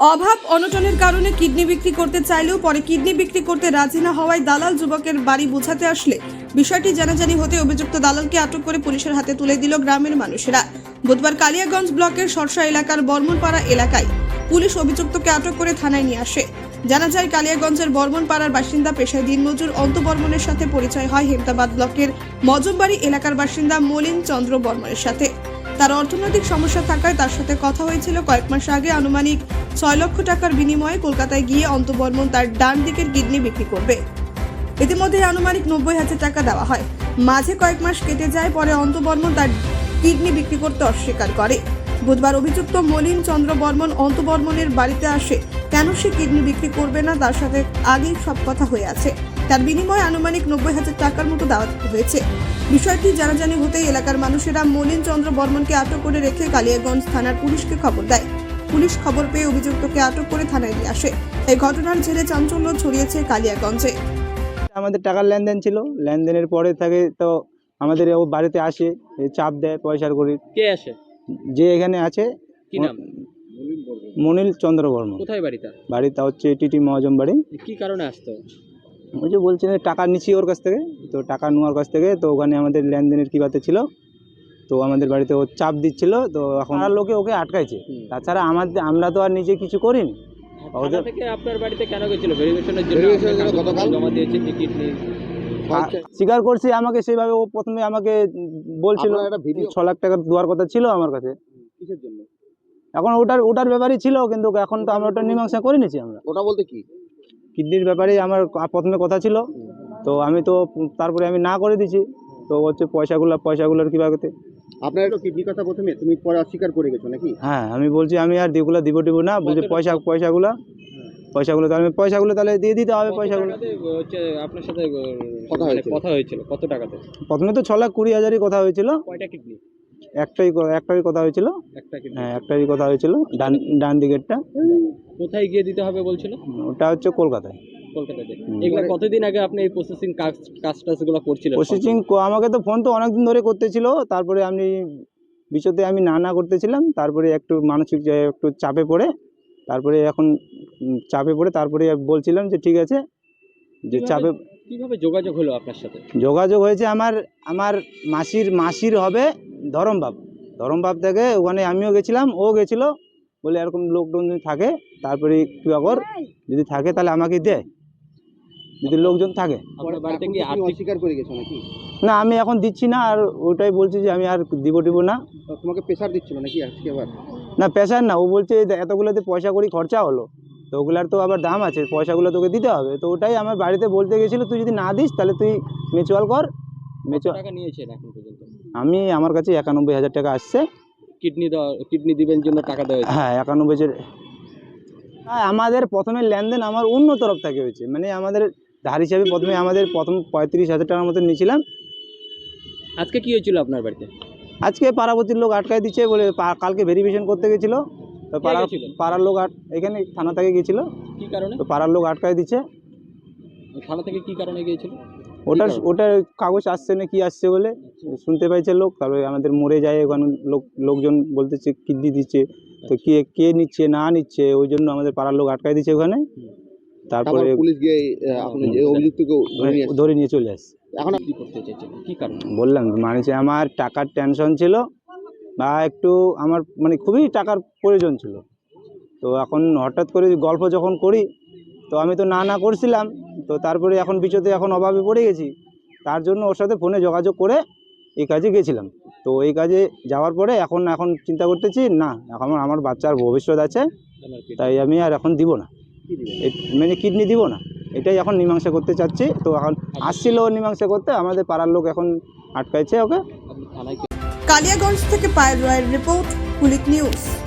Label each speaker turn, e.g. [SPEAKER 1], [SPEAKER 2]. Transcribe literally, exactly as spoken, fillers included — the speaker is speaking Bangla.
[SPEAKER 1] অভাব অনটনের কারণে কিডনি বিক্রি করতে চাইলেও পরে কিডনি বিক্রি করতে রাজি না হওয়ায় দালাল যুবকের বাড়ি বোঝাতে আসলে বিষয়টি জানাজানি হতে অভিযুক্ত দালালকে আটক করে পুলিশের হাতে তুলে দিল গ্রামের মানুষেরা। বুধবার কালিয়াগঞ্জ ব্লকের সরসা এলাকার বর্মনপাড়া এলাকায় পুলিশ অভিযুক্তকে আটক করে থানায় নিয়ে আসে। জানা যায়, কালিয়াগঞ্জের বর্মনপাড়ার বাসিন্দা পেশায় দিনমজুর অন্ত বর্মনের সাথে পরিচয় হয় হেমতাবাদ ব্লকের মজমবাড়ি এলাকার বাসিন্দা মলিন চন্দ্র বর্মনের সাথে। তার অর্থনৈতিক সমস্যা থাকায় তার সাথে কথা হয়েছিল কয়েক মাস আগে। আনুমানিক ছয় লক্ষ টাকার বিনিময়ে কলকাতায় গিয়ে অন্ত বর্মন তার ডান দিকের কিডনি বিক্রি করবে। ইতিমধ্যে আনুমানিক নব্বই হাজার টাকা দেওয়া হয়। মাঝে কয়েক মাস কেটে যায়, পরে অন্ত বর্মন তার কিডনি বিক্রি করতে অস্বীকার করে। বুধবার অভিযুক্ত মলিন চন্দ্র বর্মন অন্ত বর্মনের বাড়িতে আসে। কেন সে কিডনি বিক্রি করবে না তার সাথে আগেই সব কথা হয়ে আছে। তার বিনিময়ে আনুমানিক নব্বই হাজার টাকার মতো দেওয়া হয়েছে। বিষয়টি জানাজানি হতেই এলাকার মানুষেরা মলিন চন্দ্র বর্মনকে আটক করে রেখে কালিয়াগঞ্জ থানার পুলিশকে খবর দেয়। পুলিশ খবর পেয়ে অভিযুক্তকে আটক করে থানায় নিয়ে আসে। এই ঘটনার জেরে চাঞ্চল্য ছড়িয়েছে কালিয়াগঞ্জে।
[SPEAKER 2] আমাদের টাকার লেনদেন ছিল, লেনদেনের পরে থাকে তো আমাদের ও বাড়িতে আসে, চাপ দেয় পয়সার করি।
[SPEAKER 3] কে আসে?
[SPEAKER 2] যে এখানে আছে
[SPEAKER 3] কি নাম?
[SPEAKER 2] মনিল চন্দ্র বর্মন।
[SPEAKER 3] কোথায় বাড়িটা?
[SPEAKER 2] বাড়িটা হচ্ছে টিটি মহাজন বাড়ি।
[SPEAKER 3] কি কারণে আসতো?
[SPEAKER 2] ওই যে বলছে টাকা নিচ্ছি ওর কাছ থেকে, তো টাকা নেওয়ার কাছ থেকে তো ওখানে আমাদের লেনদেনের কি বাতে ছিল, তো আমাদের বাড়িতে ও চাপ দিচ্ছিল। তো এখন আর লোকে ওকে আটকাইছে। তাছাড়া আমাদের আমরা তো আর নিজে কিছু করিনি।
[SPEAKER 3] থানা থেকে আপনার বাড়িতে কেন গেছিল? ভেরিফিকেশনের জন্য গতকাল জমা দিয়েছে টিকিট নিয়ে।
[SPEAKER 2] স্বীকার করছি আমাকে সেভাবে। ও প্রথমে আমাকে বলছিল ছ লাখ টাকা দেওয়ার কথা ছিল আমার কাছে।
[SPEAKER 3] কিসের জন্য?
[SPEAKER 2] এখন ওটার ওটার ব্যাপারই ছিল, কিন্তু এখন তো আমরা ওটা মীমাংসা করে নিয়েছি। আমরা
[SPEAKER 3] ওটা বলতে কি
[SPEAKER 2] কিডনির ব্যাপারে আমার প্রথমে কথা ছিল, তো আমি তো তারপরে আমি না করে দিছি। তো হচ্ছে পয়সাগুলো পয়সাগুলোর কীভাবে
[SPEAKER 3] আপনার একটু কিডনির কথা প্রথমে, তুমি পরে অস্বীকার করে গেছো নাকি?
[SPEAKER 2] হ্যাঁ, আমি বলছি আমি আর দিগুলো দিব দিব না। বলছি পয়সা পয়সাগুলো পয়সাগুলো তাহলে পয়সাগুলো তাহলে দিয়ে দিতে হবে। পয়সাগুলো
[SPEAKER 3] হচ্ছে আপনার সাথে কথা কথা হয়েছিল কত টাকাতে?
[SPEAKER 2] প্রথমে তো ছ লাখ কুড়ি হাজারই কথা হয়েছিল।
[SPEAKER 3] কয়টা কিডনি?
[SPEAKER 2] একটাই একটাই কথা হয়েছিল।
[SPEAKER 3] একটা কিডনি?
[SPEAKER 2] হ্যাঁ, একটাই কথা হয়েছিল, ডান ডান দিকেরটা।
[SPEAKER 3] কোথায় গিয়ে দিতে হবে বলছিল?
[SPEAKER 2] ওটা হচ্ছে কলকাতায়।
[SPEAKER 3] কলকাতাতে। এগুলো কতদিন আগে আপনি এই প্রসেসিং কাজ কাজটাগুলো করছিলেন?
[SPEAKER 2] প্রসেসিং আমাকে তো ফোন তো অনেকদিন ধরে করতেছিল। তারপরে আমি বিষয়তে আমি না না করতেছিলাম। তারপরে একটু মানসিক একটু চাপে পড়ে তারপরে এখন চাপে পড়ে তারপরে বলছিলাম যে ঠিক আছে, যে চাপে।
[SPEAKER 3] কিভাবে যোগাযোগ হলো আপনার সাথে?
[SPEAKER 2] যোগাযোগ হয়েছে আমার আমার মাসির মাসির হবে ধরমবাব। ধরমবাব থেকে ওখানে আমিও গেছিলাম, ও গেছিলো। বলে এরকম লোকজন যদি থাকে তারপরে কী কর, যদি থাকে তাহলে আমাকে দেয়, যদি লোকজন থাকে।
[SPEAKER 3] অস্বীকার করে গেছো নাকি?
[SPEAKER 2] না, আমি এখন দিচ্ছি না। আর ওটাই বলছি যে আমি আর দিব দিব না।
[SPEAKER 3] তোমাকে প্রেশার দিচ্ছিল নাকি আজকে আবার?
[SPEAKER 2] না, প্রেশার না। ও বলছে এতগুলোতে পয়সা করি খরচা হলো, তো ওগুলার তো আবার দাম আছে, পয়সাগুলো তোকে দিতে হবে। তো ওটাই আমার বাড়িতে বলতে গেছিলো, তুই যদি না দিস তাহলে তুই মিউচুয়াল কর। মিউচুয়াল টাকা
[SPEAKER 3] নিয়েছেন এখন পর্যন্ত?
[SPEAKER 2] আমি আমার কাছে একানব্বই হাজার টাকা আসছে।
[SPEAKER 3] কিডনি দেওয়া কিডনি দিবেন জন্য টাকা দেওয়া?
[SPEAKER 2] হ্যাঁ, একানব্বই হাজার। আমাদের প্রথমে লেনদেন আমার অন্য তরফ থেকে হয়েছে, মানে আমাদের ধার হিসাবে প্রথমে আমাদের প্রথম পঁয়ত্রিশ হাজার টাকার মতো নিয়েছিলাম।
[SPEAKER 3] আজকে কি হয়েছিল আপনার বাড়িতে?
[SPEAKER 2] আজকে পাড়াপতির লোক আটকায় দিচ্ছে বলে, কালকে ভেরিফিকেশন করতে গেছিলো। তো পাড়ার পাড়ার লোক এখানে থানা থেকে গিয়েছিল।
[SPEAKER 3] কি কারণে?
[SPEAKER 2] তো পাড়ার লোক আটকায় দিচ্ছে।
[SPEAKER 3] থানা থেকে কি কারণে গিয়েছিল?
[SPEAKER 2] ওটার ওটার কাগজ আসছে না কি আসছে বলে শুনতে পাইছে লোক। তারপরে আমাদের মরে যায় ওখানে লোক লোকজন বলতেছে কিডনি দিচ্ছে, তো কে কে নিচ্ছে না নিচ্ছে, ওই জন্য আমাদের পাড়ার লোক আটকায় দিচ্ছে ওখানে। তারপরে পুলিশ গিয়ে অভিযুক্তকে ধরে নিয়ে চলে আসছে।
[SPEAKER 3] এখন কি করতে চাইছেন? কি কারণ?
[SPEAKER 2] বললাম মানে আমার টাকার টেনশন ছিল, বা একটু আমার মানে খুবই টাকার প্রয়োজন ছিল। তো এখন হঠাৎ করে গল্প যখন করি, তো আমি তো না না করছিলাম। তো তারপরে এখন বিষয়তে এখন অভাবে পড়ে গেছি। তার জন্য ওর সাথে ফোনে যোগাযোগ করে এই কাজে গেছিলাম। তো এই কাজে যাওয়ার পরে এখন এখন চিন্তা করতেছি, না এখন আমার বাচ্চার ভবিষ্যৎ আছে, তাই আমি আর এখন দিব না, মানে কিডনি দিব না। এটাই এখন মীমাংসা করতে চাচ্ছি। তো এখন আসছিল মীমাংসা করতে, আমাদের পাড়ার লোক এখন আটকাইছে ওকে।
[SPEAKER 1] কালিয়াগঞ্জ থেকে পায়েল রায়ের রিপোর্ট, কুলিক নিউজ।